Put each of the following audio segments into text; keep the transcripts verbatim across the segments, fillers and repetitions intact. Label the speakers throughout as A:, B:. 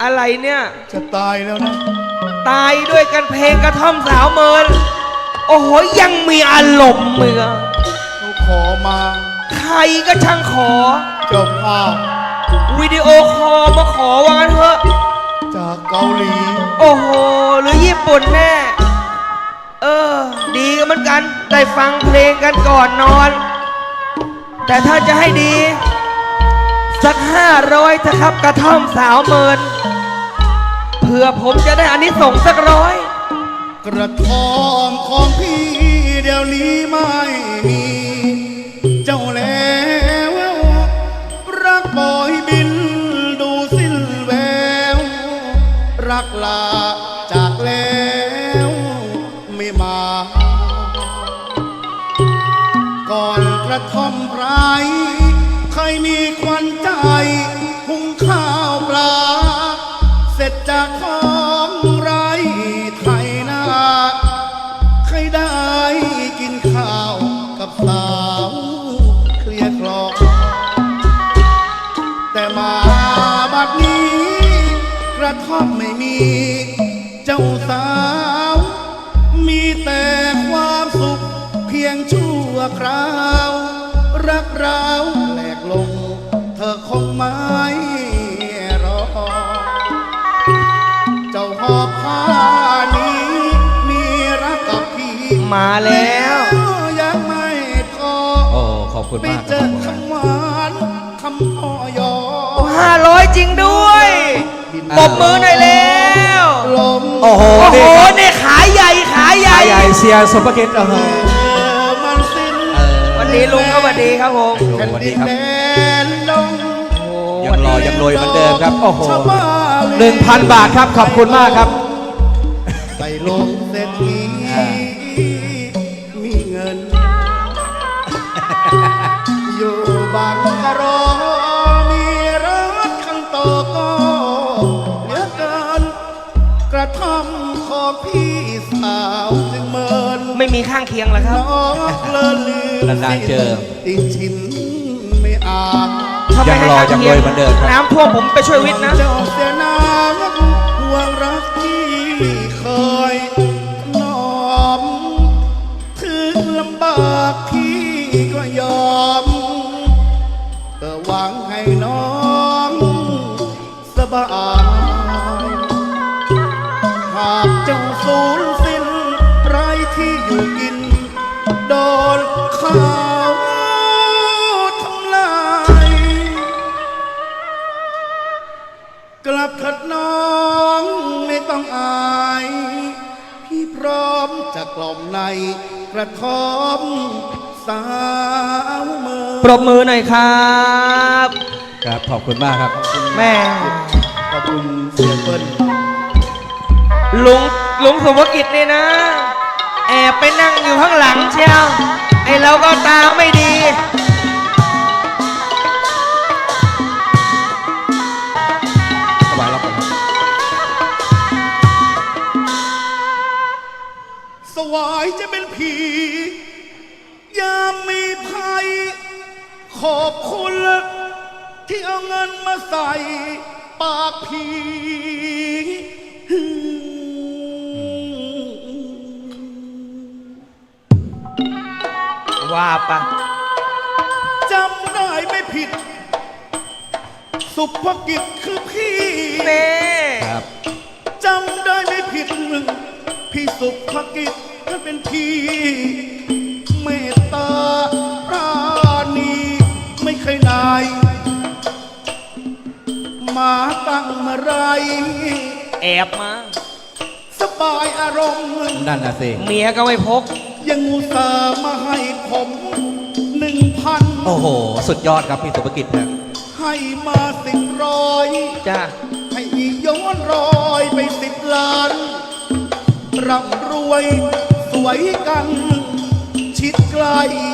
A: อะไรเนี่ย
B: จะตายแล้วนะ
A: ตายด้วยกันเพลงกระท่อมสาวเมินโอ้โหยังมีอารมณ์เมือ
B: เขาขอมา
A: ใครก็ช่างขอ
B: เจ้าภาพ
A: วิดีโอคอลมาขอว่างั้นเถอะ
B: จากเกาหลี
A: โอ้โหหรือญี่ปุ่นแน่เออดีกันเหมือนกันได้ฟังเพลงกันก่อนนอนแต่ถ้าจะให้ดีสักห้าร้อยเถอะครับกระท่อมสาวเมินเพื่อผมจะได้อานิสงส์สักร้อย
B: กระท่อมของพี่เดี๋ยวนี้ไม่มีเจ้าแล้วรักบอยบินดูสิ้นแววรักลาจากแล้วไม่มาก่อนกระท่อมไรเคยมีควันใจหุงข้าวปลาเสร็จจากของไรไทยนาเคยได้กินข้าวกับสาวเคลียร์คลอแต่มาบัดนี้กระท่อมไม่มีเจ้าสาวมีแต่ความสุขเพียงชั่วคราวรักเราแหลกลงเธอคงไม่รอเจ้าหอบผ้านี้มีรักกับพี่
A: มาแล้ว
B: ยังไม่พอ
C: โอ้ขอบคุณมาก
B: ไปเจอคำหวานคำพ่อยอ
A: ห้าร้อยจริงด้วยปรบมือหน่อยแล้ว
C: โอ้โห
A: โอ้โหเนี่ยขาใหญ่ขาใหญ่
C: ใหญ่เสียสมภกิจเออ
A: วันนี้ลุงก็วันดีครับผม
C: วันดีครับยังรอยังรวยเหมือนเดิมครับโอ้โหหนึ่งพันบาทครับขอบคุณมากครับ
B: ไปลงเศรษฐีมีเงินอยู่บางกะโรมีรถคันโตก็เหลือเกินกระท่อมของพี่สาวจึงเมิน
A: ไม่มีข้างเคียงแล้วครับ
B: น้องเลินลืม
C: นานๆเจอ
B: ติดชินไม่อาบ
C: ยังรอยังรวยเหมือนเดิมครับ
A: น้ำท่วมผมไปช่วยวิทย์นะ
B: เจ้าเสียน้ำห่วงรักที่เคยน้อมถึงลำบากพี่ก็ยอมก็หวังให้น้องสบายหากเจ้าสูญสิ้นไรที่อยู่กินโดนข้าวทำลายกลับขัดน้องไม่ต้องอายพี่พร้อมจะกล่อมในกระท่อมสาวเมือง
A: ปรบมือหน่อยครับ
C: ครับขอบคุณมากครับ
A: แม่
B: ขอบคุณเสียเปิ้ล
A: ลุงลุงสมภกิจนี่นะแอบไปนั่งอยู่ข้างหลังเชียวไอเราก็ตาไม่ดี
C: สบายแล้วครับ
B: สวายจะเป็นผียามมีภัยขอบคุณที่เอาเงินมาใส่ปากผี
A: ว่าปะ
B: จำได้ไม่ผิดสุภกิจคือพี่
A: เน่
C: ครับ
B: จำได้ไม่ผิดพี่สุภกิจก็เป็นพี่เมตตาปราณีไม่เคยนายมาตั้งเมื่อไร
A: แอบมา
B: สบายอารมณ์
C: นั่นน่ะสิ
A: เมียก็ไม่พก
B: ยังอุตส่าห์มาให้ผมหนึ่งพัน
C: โอ้โหสุดยอดครับพี่สุภกิจนะ
B: ให้มาสิบร้อย
A: จ้า
B: ให้ย้อนรอยไปสิบล้านร่ำรวยสวยกันชิดไกล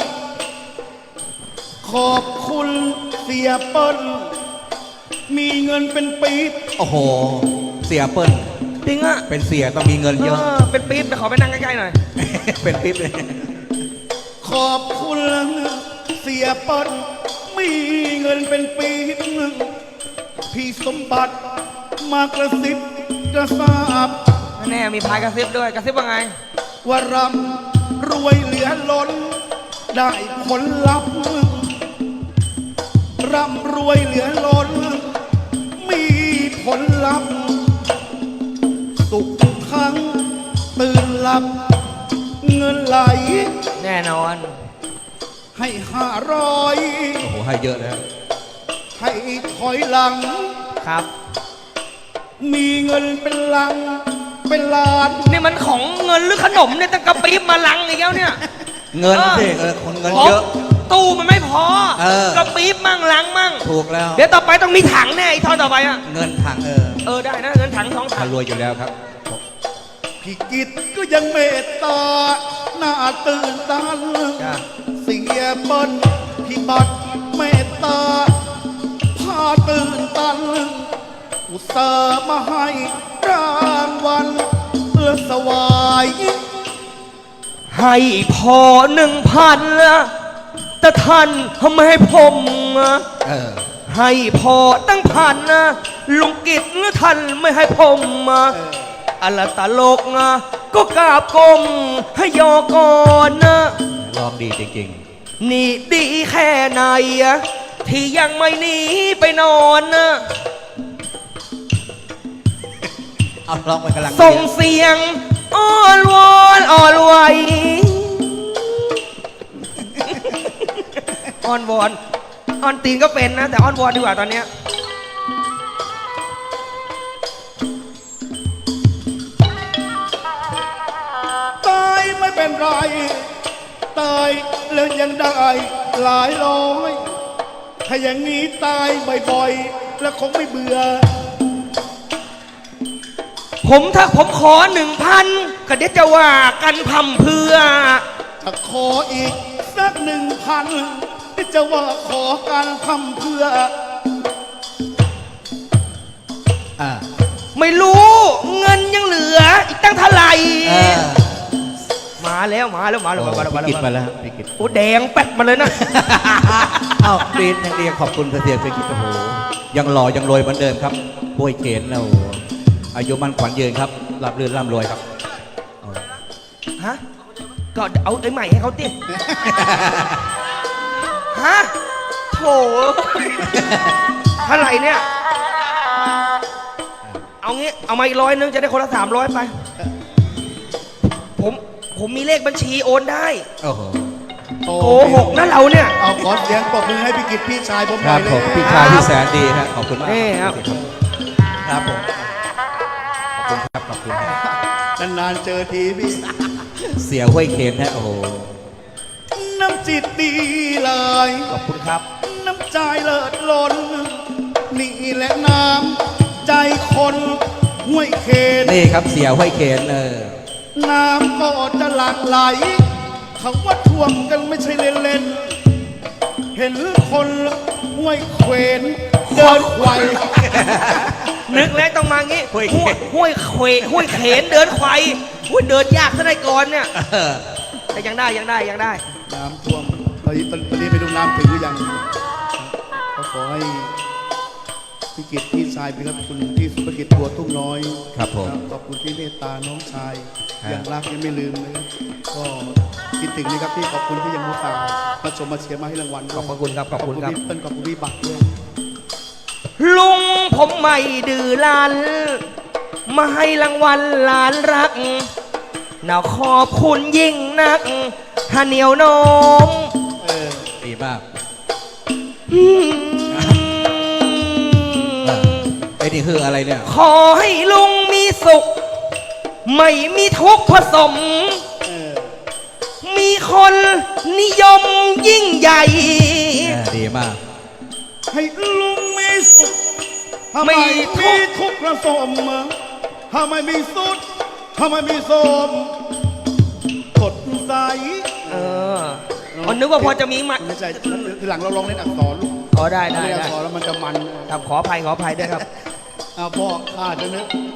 B: ขอบคุณเสียเปิ้ลมีเงินเป็นปี๊บ
C: โอ้โหเสียเปิ้ล
A: จริงอะ
C: เป็นเสียต้องมีเงินเยอะ
A: เป็นปี๊บแต่ขอไปนั่งใกล้ๆหน่อย
C: เป็นปี๊บเลย
B: ขอบคุณเสียเปิ้ลมีเงินเป็นปี๊บพี่สมบัติมากระซิบกระซาบ
A: แน่มีพายกระซิบด้วยกระซิบว่าไง
B: ว่ารำรวยเหลือล้น ได้ผลลัพธ์ร่ำรวยเหลือล้น มีผลลัพธ์สุขทุกครั้งตื่นหลับ เงินไหล
A: แน่นอน
B: ให้ห้าร้อย
C: โอ้โหให้เยอะแล้ว
B: ให้ถอยหลัง
A: ครับ
B: มีเงินเป็นลัง เป็นล้าน
A: นี่มันของเงินหรือขนมเนี่ยตั้งกระปี๊บมาลังอีกแล้วเนี่ย
C: เงินสิ
A: เอ
C: เอ
A: อ
C: อคนเงินเยอะ
A: ตู้มันไม่พอ
C: เออ
A: กระปี๊บมั่งลังมั่ง
C: ถูกแล้ว
A: เดี๋ยวต่อไปต้องมีถังแน่ไอ้ทอนต่อไปอ่ะ
C: เงินถังเออ
A: เออได้นะเงินถังสองถั
C: ถ้าง รวยอยู่แล้วครับ
B: พี่กิตก็ยังเมตตา หน้าตื่นตัน
A: จ้ะ
B: เสียเปิ้ลพี่บัตรเมตตา พาตื่นตัน อุตส่าห์มาให้รางวัลเพื่อสวาย
A: ให้พอหนึ่งพันละแต่ท่านทำไมให้ผมอะ
C: เออ
A: ให้พอตั้งพันนะลุงกิจหรือท่านไม่ให้ผมอะอะไรตลกนะก็กราบกรมให้ยอก่อนนะ
C: ลองดีจริง
A: นี่ดีแค่ไหนอะที่ยังไม่หนีไปนอนนะ
C: ๆ เอาลองไปกำลัง
A: ส่งเสียงอ้อนวอนอ่อนไหวอ้อนวอนอ้อนตีนก็เป็นนะ แต่อ้อนวอนดีกว่าตอนเนี้ย
B: ตายไม่เป็นไร ตายแล้วยังได้หลายร้อย ถ้าอย่างนี้ตายบ่อยๆ แล้วคงไม่เบื่อ
A: ผมถ้าผมขอหนึ่งพันก็เดี๋ยวจะว่ากันพำเพื่อ
B: ถ้าขออีกสักหนึ่งพันจะว่าขอการทำเพื่อ
C: อ่า
A: ไม่รู้เงินยังเหลือ อีกตั้งเท่าไหร่
C: เออ
A: มาแล้วมาแล้วมาแล้วมาแล้วมา
C: พี่กิตมา
A: แล้ว
C: แล้วพี่กิต
A: โอ้แดงแป๊ดมาเลยนะ
C: เอ้าดีนยังดีขอบคุณเสียพี่กิตโอ้โหยังหล่อยังรวยเหมือนเดิมครับป่วยเขนแล้วอายุมันขวัญยืนครับรับรื่นร่ำรวยครับเอา
A: ฮะก็เอาไอ้ใหม่ให้เขาติ ฮะโถเท่าไหร่เนี่ย เอางี้ เอามาอีกร้อยนึงจะได้คนละสามร้อยไป ผม ผมมีเลขบัญชีโอนได้
C: โอ้โห
A: โกหกนะเราเนี่ย
B: เอาขอเสียงปรบมือให้พี่กิตพี่ชายผมห
C: ค
B: น่
C: รั
B: อบ ยเล
C: ผม
B: ย
C: พี่ชายที่แสนดีครับขอบคุณมาก
A: นี่ครับ
C: ครับผมขอบคุณครับขอบคุณครับ
B: นานๆเจอทีพี่
C: เสียห้วยเคนฮะโอ้โห
B: น้ำจิตดีเลย
A: ขอบคุณครับ
B: น้ำใจเลิศล้น นี่แหละน้ำใจคนห้วยเคน
C: นี่ครับเสียห้วยเคนเออ
B: น้ำก็จะหลั่งไหลเขาว่าท่วมกันไม่ใช่เล่นๆ เห็นคนห้วยเขวนเดินไขว่
A: นึกแล้วต้องมางี้
C: ห้วยเขน
A: ห้วยเขวห้วยเขนเดินไขวห้วยเดินยากซะได้ก่อนเนี่ย
C: เออ
A: แต่ยังได้ยังได้ยังได้
B: น้ำท่วมตอนนี้ตอนนี้ไปดูน้ำถึงหรือยังก็ขอให้พี่กิตพี่ชายพี่รับคุณที่สุภกิจบัวทุ่งน้อย
C: ครับผม
B: ขอบคุณที่เมตตาน้องชาย
C: ครับ
B: ยังรักยังไม่ลืมเลยก็คิดถึงนะครับพี่ขอบคุณที่ยังมุตส่าห์มาชมมาเชียร์มาให้รางวัลด้วย
A: ขอบพระคุณครับขอบคุณครับ
B: พี่เปิ้ลขอบคุณพี่บัตรด้วย
A: ลุงผมไม่ดื้อลัน มาให้รางวัลหลานรักน่าขอบคุณยิ่งนักฮาเหนียวโนม
B: เออ
C: ดีมาก
A: อืม
C: เออไอ้นี่คืออะไรเนี่ย
A: ขอให้ลุงมีสุข ไม่มีทุกข์ผสม
B: เออ
A: มีคนนิยมยิ่งใหญ่
C: เออดีมาก
B: ให้ลุงมีสุขทำไม
A: ไม่ทุ
B: มี
A: กข์
B: ทุกข์ระสมทำไมมีสุดทำไมมีสมกดใส
A: เอออ๋อนึกว่าพอจะมีมา
B: ไม่ใช่ทีหลังเราลองเล่นอักษรลูก
A: อ๋อได้ได้
B: เล่นอั
A: ได้
B: กษรแล้วมันจะมัน
A: ครับขออภัยขออภัยด้วยครับ
B: เอาพ่อข้าจะนึก